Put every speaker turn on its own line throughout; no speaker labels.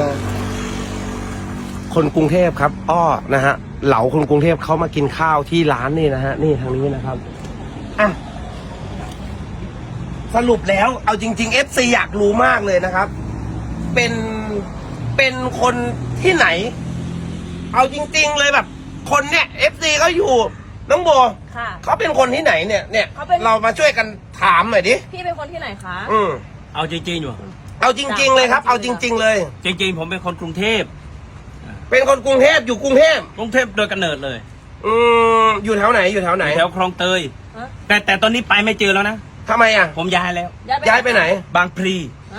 คนกรุงเทพครับอ้อนะฮะเหลาคนกรุงเทพเขามากินข้าวที่ร้านนี่นะฮะนี่ทางนี้นะครับอ่ะสรุปแล้วเอาจริงๆ FC อยากรู้มากเลยนะครับเป็นคนที่ไหนเอาจริงๆเลยแบบคนเนี่ย FC เขาอยู่น้องโบ
ค่ะ
เขาเป็นคนที่ไหนเนี่ยเรามาช่วยกันถามหน่อยดิ
พี่เป็นคนที่ไหนคะ
เอาจริงๆอยู่
เอาจริงๆเลยครับเอาจริงๆเลย
จริงๆผมเป็นคนกรุงเทพ
เป็นคนกรุงเทพอยู่กรุงเทพ
โดยกำเนิดเลย
อยู่แถวไหน
แถวคลองเตยแต่ตอนนี้ไปไม่เจอแล้วนะ
ทำไมอ่ะ
ผมย้ายแล้ว
ย้ายไปไหน
บางพลี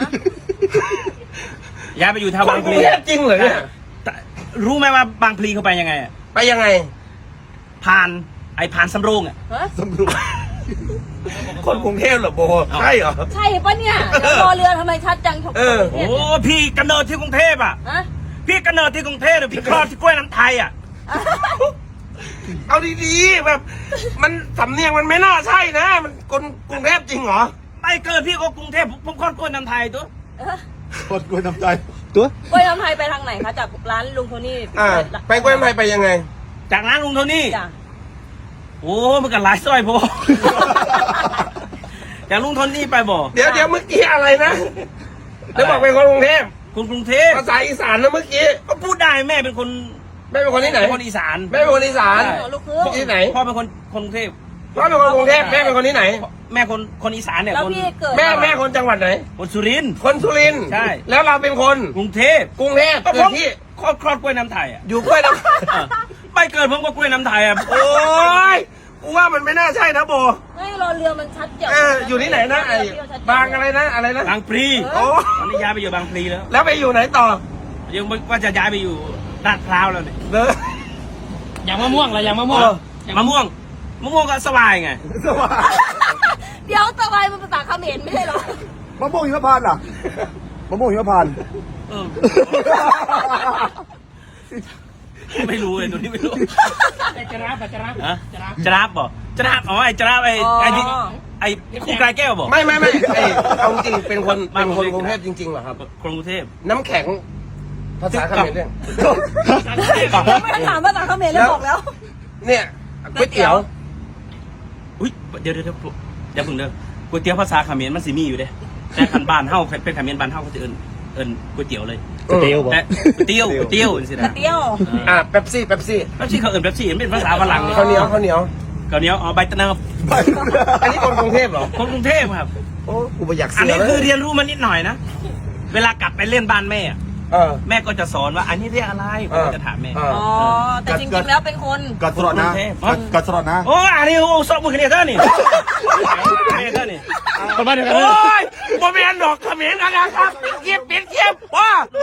ย้ายไปอยู่แถวบางพลี
จริงเหรอเนี่ย
รู้ไหมว่าบางพลีเขาไปยังไงอ่ะ
ไปยังไง
ผ่านสำโรงอ่ะ
สำโรงคนกรุงเทพเหรอโบใช่เหรอ
ใช่ปะเนี่ยรอเรือทำไมชัดจัง
โอ้พี่กำเนิดที่กรุงเทพอ่ะพี่กำเนิดที่กรุงเทพหรือพี่คลอดที่กล้วยน้ำไทยอ่ะ
เอาดีๆแบบมันสำเนียงมันไม่น่าใช่นะมันคนกรุงเทพจริงเหรอ
ไม่เกิดพี่ก็กรุงเทพผมคลอดกล้วยน้ำไทยตัว
คลอดกล้วยน้ำไทยตัว
กล้วยน้ำไทยไปทางไหนคะจากร้านลุงโทนี่
ไปกล้วยน้ำไทยไปยังไง
จากร้านลุงโทนี่โอ้มันกันหลายซอยพอจากลุงโทนี่ไปบ่
เดี๋ยวเมื่อกี้อะไรนะเดี๋ยวบอกเป็นคนกรุงเทพ
กรุงเทพ
ภาษาอีสานนะเมื่อกี้
ก็พูดได้แม่เป็นคน
ที่ไหน
คนอีสาน
แม่เป็นคนอีสานที่ไหน
พ่อเป็นคนกรุงเทพ
พ่อเป็นคนกรุงเทพแม่เป็นคนที่ไหน
แม่คนอีสานเนี่ย
แม่คนจังหวัดไหน
คนสุรินทร์ใช่
แล้วเราเป็นคน
กรุงเทพ
ก็ผมที่
คลอดกล้วยน้ำไทยอ่ะ
อยู่กล้วยน้ำ
ไม่เกิดผมก็กล้วยน้ำไทยอ่ะ
โอ้ยกูว่ามันไม่น่าใช่นะโบ
ไม่รอเรือมันชัดเจน
อยู่ที่ไหนนะไอ้บางอะไรนะ
บางพลี
โอ้
ตอนนี้ย้ายไปอยู่บางพลี
แล้วไปอยู่ไหนต่อ
ยังว่าจะย้ายไปอยู่ลาดพร้าวแล้วเนี่ยอย่างมะม่วงอะไรอย่างมะม่วงก็สบายไง
สบาย
เดี๋ยวสบายมันภาษาเขมรไม่ใช่หรอ
มะม่วงหิมพานต์ล่ะมะม่วงหิมพานต์
ไม่รู้เลยตัวนี้ไม่รู้จะรับบอกอ๋อไอ้คู่กายแก้วบอก
ไม่เอาจริงเป็นคนกรุงเทพจริงๆเหรอครับ
กรุงเทพ
น้ำแข็งภาษาเขมรเนี่ย
ไม่ต้องถามภาษาเขมรเลยบอกแล้ว
เนี่ยก๋วยเตี๋ยว
อุ้ยเดี๋ยวอย่าเพิ่งเด้อก๋วยเตี๋ยวภาษาเขมรมันสิมีอยู่เด้แต่ขันบ้านเฮาเป็นเขมรบ้านเฮาก็จะเอิ้นก๋วยเตี๋ยวเลย
ก๋วยเตี๋ยว
สินะ
เป๊ปซี่
เขาเอิ้นเป๊ปซี่เป็นภาษาฝรั่ง
ข้าวเหนียว
อ๋อใบตะเนิบ
อันนี้คนกรุงเทพเหรอ
คนกรุงเทพครับ
โอ้กูไม่อยากเสีย
อันนี้คือเรียนรู้มานิดหน่อยนะเวลากลับไปเล่นบ้านแม่แม่ก็จะสอนว่าอันนี้เรียกอะไรผมจะถามแม่
อ๋อแต่จริงๆแล้วเป็นคน
กัดสลอดนะ
โอ้อันนี้โอ้สอบมือเนี่ยเท่านี่คนบ้านเดียวกัน
โอ้ยบ่แม่นดอกเขมรนะครับเก็บว้า